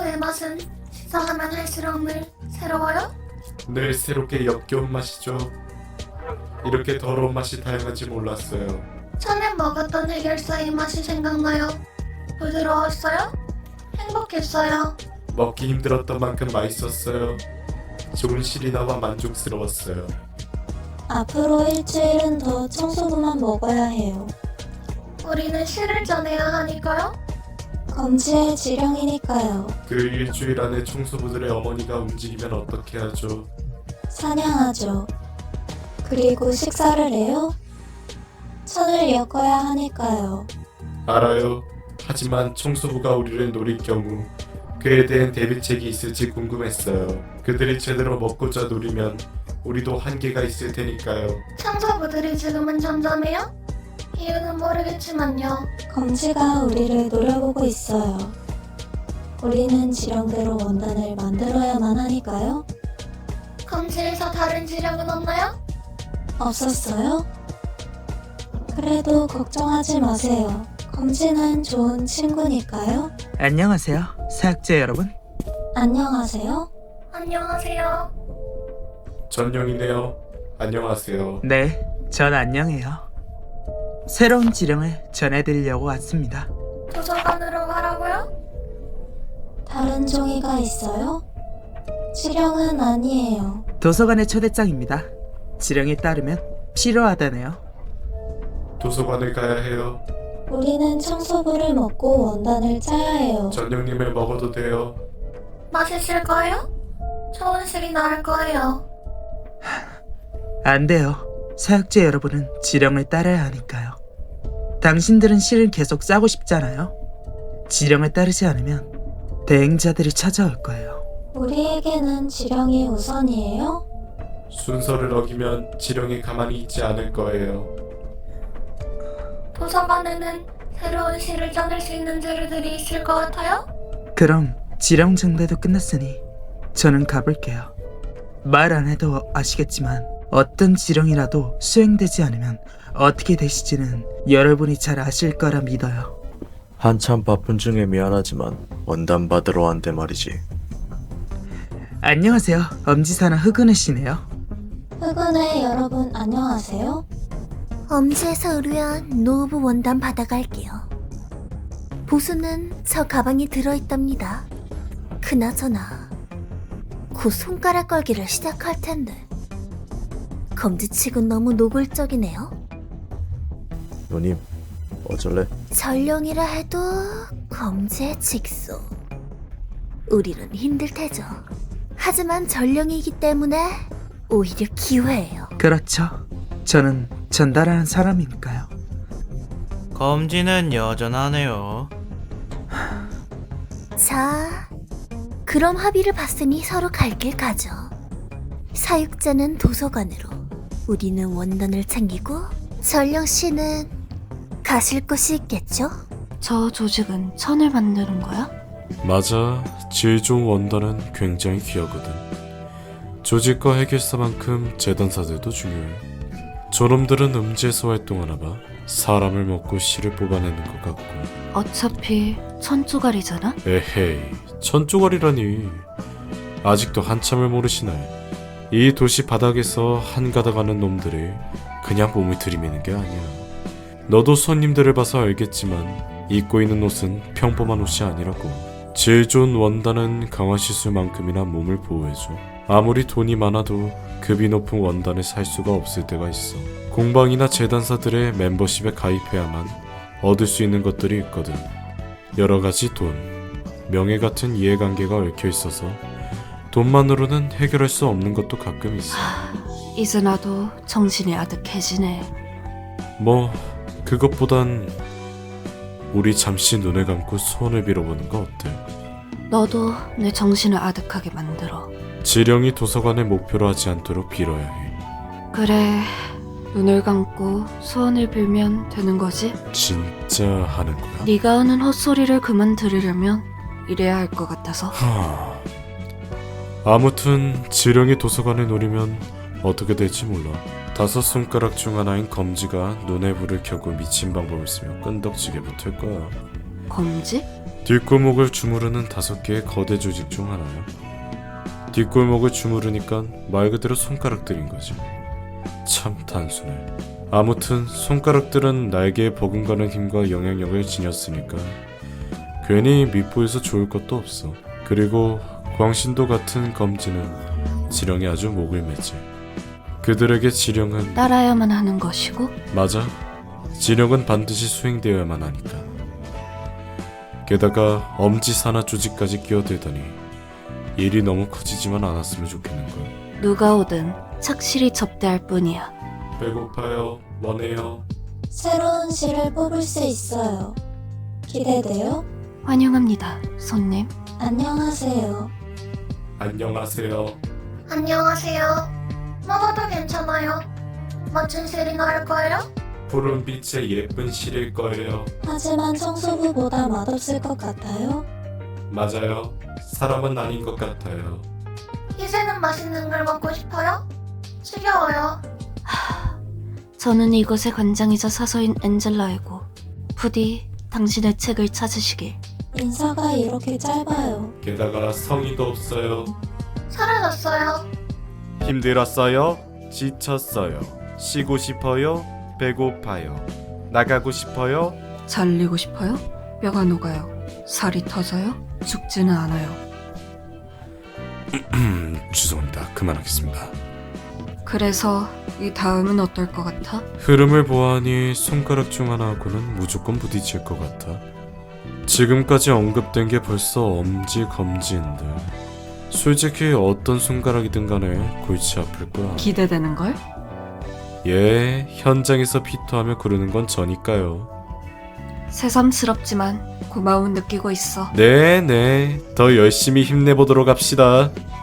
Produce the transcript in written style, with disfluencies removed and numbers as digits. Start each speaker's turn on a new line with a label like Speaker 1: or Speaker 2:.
Speaker 1: 청소의 맛은 식사하면 할수록 늘 새로워요?
Speaker 2: 늘 새롭게 역겨운 맛이죠. 이렇게 더러운 맛이 다양한지 몰랐어요.
Speaker 1: 전에 먹었던 해결사의 맛이 생각나요. 부드러웠어요? 행복했어요.
Speaker 2: 먹기 힘들었던 만큼 맛있었어요. 좋은 실이 나와 만족스러웠어요.
Speaker 3: 앞으로 일주일은 더 청소부만 먹어야 해요.
Speaker 1: 우리는 실을 짜내야 하니까요.
Speaker 3: 검지의 지령이니까요.
Speaker 2: 그 일주일 안에 청소부들의 어머니가 움직이면 어떻게 하죠?
Speaker 3: 사냥하죠. 그리고 식사를 해요? 천을 엮어야 하니까요.
Speaker 2: 알아요. 하지만 청소부가 우리를 노릴 경우 그에 대한 대비책이 있을지 궁금했어요. 그들이 제대로 먹고자 노리면 우리도 한계가 있을 테니까요.
Speaker 1: 청소부들이 지금은 잠잠해요? 이유는 모르겠지만요.
Speaker 3: 검지가 우리를 노려보고 있어요. 우리는 지령대로 원단을 만들어야만 하니까요.
Speaker 1: 검지에서 다른 지령은 없나요?
Speaker 3: 없었어요? 그래도 걱정하지 마세요. 검지는 좋은 친구니까요.
Speaker 4: 안녕하세요, 사학제 여러분.
Speaker 3: 안녕하세요.
Speaker 1: 안녕하세요.
Speaker 2: 전령이네요. 안녕하세요.
Speaker 4: 네, 전 안녕해요. 새로운 지령을 전해드리려고 왔습니다.
Speaker 1: 도서관으로 가라고요?
Speaker 3: 다른 종이가 있어요? 지령은 아니에요.
Speaker 4: 도서관의 초대장입니다. 지령에 따르면 필요하다네요.
Speaker 2: 도서관을 가야 해요.
Speaker 3: 우리는 청소부를 먹고 원단을 짜야 해요.
Speaker 2: 전령님을 먹어도 돼요.
Speaker 1: 맛있을 거예요? 좋은 실이 나을 거예요.
Speaker 4: 안 돼요. 사학제 여러분은 지령을 따라야 하니까요. 당신들은 실을 계속 짜고 싶잖아요. 지령을 따르지 않으면 대행자들이 찾아올 거예요.
Speaker 3: 우리에게는 지령이 우선이에요?
Speaker 2: 순서를 어기면 지령이 가만히 있지 않을 거예요.
Speaker 1: 도서관에는 새로운 시를 짜낼 수 있는 재료들이 있을 것 같아요?
Speaker 4: 그럼 지령 정대도 끝났으니 저는 가볼게요. 말 안 해도 아시겠지만 어떤 지령이라도 수행되지 않으면 어떻게 되실지는 여러분이 잘 아실 거라 믿어요.
Speaker 5: 한참 바쁜 중에 미안하지만 원단 받으러 왔는데 말이지.
Speaker 4: 안녕하세요. 엄지사나 흑은혜 씨네요.
Speaker 3: 흑은의 여러분 안녕하세요.
Speaker 6: 엄지에서 의뢰한 노브 원단 받아갈게요. 보수는 저 가방에 들어있답니다. 그나저나 곧 손가락 걸기를 시작할 텐데 검지치곤 너무 노골적이네요.
Speaker 5: 누님, 어쩔래?
Speaker 6: 전령이라 해도 검지의 직소. 우리는 힘들 테죠. 하지만 전령이기 때문에 오히려 기회예요.
Speaker 4: 그렇죠. 저는 전달하는 사람이니까요.
Speaker 7: 검지는 여전하네요.
Speaker 6: 자, 그럼 합의를 봤으니 서로 갈 길 가죠. 사육자는 도서관으로, 우리는 원단을 챙기고 전령 씨는 가실 곳이 있겠죠?
Speaker 8: 저 조직은 천을 만드는 거야?
Speaker 2: 맞아. 질 좋은 원단은 굉장히 귀하거든. 조직과 해결사만큼 재단사들도 중요해. 저놈들은 음지에서 활동하나 봐. 사람을 먹고 실을 뽑아내는 것 같고.
Speaker 8: 어차피 천 조각이잖아?
Speaker 2: 에헤이, 천조각이라니. 아직도 한참을 모르시네. 이 도시 바닥에서 한가닥 하는 놈들이 그냥 몸을 들이미는 게 아니야. 너도 손님들을 봐서 알겠지만 입고 있는 옷은 평범한 옷이 아니라고. 질 좋은 원단은 강화 시술만큼이나 몸을 보호해줘. 아무리 돈이 많아도 급이 높은 원단을 살 수가 없을 때가 있어. 공방이나 재단사들의 멤버십에 가입해야만 얻을 수 있는 것들이 있거든. 여러 가지 돈, 명예 같은 이해관계가 얽혀 있어서 돈만으로는 해결할 수 없는 것도 가끔 있어.
Speaker 8: 이제 나도 정신이 아득해지네.
Speaker 2: 뭐 그것보단 우리 잠시 눈을 감고 소원을 빌어보는 거 어때?
Speaker 8: 너도 내 정신을 아득하게 만들어.
Speaker 2: 지령이 도서관을 목표로 하지 않도록 빌어야 해.
Speaker 8: 그래, 눈을 감고 소원을 빌면 되는 거지?
Speaker 2: 진짜 하는 거야?
Speaker 8: 네가 하는 헛소리를 그만 들으려면 이래야 할 것 같아서.
Speaker 2: 아무튼 지령이 도서관을 노리면 어떻게 될지 몰라. 5손가락 중 하나인 검지가 눈에 불을 켜고 미친 방법을 쓰며 끈덕지게 붙을 거야.
Speaker 8: 검지?
Speaker 2: 뒷골목을 주무르는 5개의 거대 조직 중 하나야. 뒷골목을 주무르니까 말 그대로 손가락들인 거지. 참 단순해. 아무튼 손가락들은 날개에 버금가는 힘과 영향력을 지녔으니까 괜히 밉보여서 좋을 것도 없어. 그리고 광신도 같은 검지는 지령이 아주 목을 매지. 그들에게 지령은
Speaker 8: 따라야만 하는 것이고
Speaker 2: 맞아. 지령은 반드시 수행되어야만 하니까. 게다가 엄지사나 조직까지 끼어들더니 일이 너무 커지지만 않았으면 좋겠는걸.
Speaker 8: 누가 오든 착실히 접대할 뿐이야.
Speaker 2: 배고파요. 뭐네요.
Speaker 3: 새로운 실을 뽑을 수 있어요. 기대돼요?
Speaker 8: 환영합니다, 손님.
Speaker 3: 안녕하세요.
Speaker 2: 안녕하세요.
Speaker 1: 안녕하세요. 먹어도 괜찮아요. 멋진 실이 나을 거예요?
Speaker 2: 푸른빛의 예쁜 실일 거예요.
Speaker 3: 하지만 청소부보다 맛없을 것 같아요.
Speaker 2: 맞아요. 사람은 아닌 것 같아요.
Speaker 1: 이제는 맛있는 걸 먹고 싶어요? 지겨워요.
Speaker 8: 저는 이곳의 관장이자 사서인 엔젤라이고 부디 당신의 책을 찾으시길.
Speaker 3: 인사가 이렇게 짧아요.
Speaker 2: 게다가 성의도 없어요.
Speaker 1: 사라졌어요.
Speaker 2: 힘들었어요? 지쳤어요? 쉬고 싶어요? 배고파요? 나가고 싶어요?
Speaker 8: 잘리고 싶어요? 뼈가 녹아요. 살이 터져요? 죽지는 않아요.
Speaker 2: 죄송합니다. 그만하겠습니다.
Speaker 8: 그래서 이 다음은 어떨 것 같아?
Speaker 2: 흐름을 보아하니 손가락 중 하나하고는 무조건 부딪힐 것 같아. 지금까지 언급된 게 벌써 엄지 검지인데 솔직히 어떤 손가락이든 간에 골치 아플 거야.
Speaker 8: 기대되는걸?
Speaker 2: 예, 현장에서 피투하며 구르는 건 저니까요.
Speaker 8: 새삼스럽지만 고마움은 느끼고 있어.
Speaker 2: 네, 더 열심히 힘내보도록 합시다.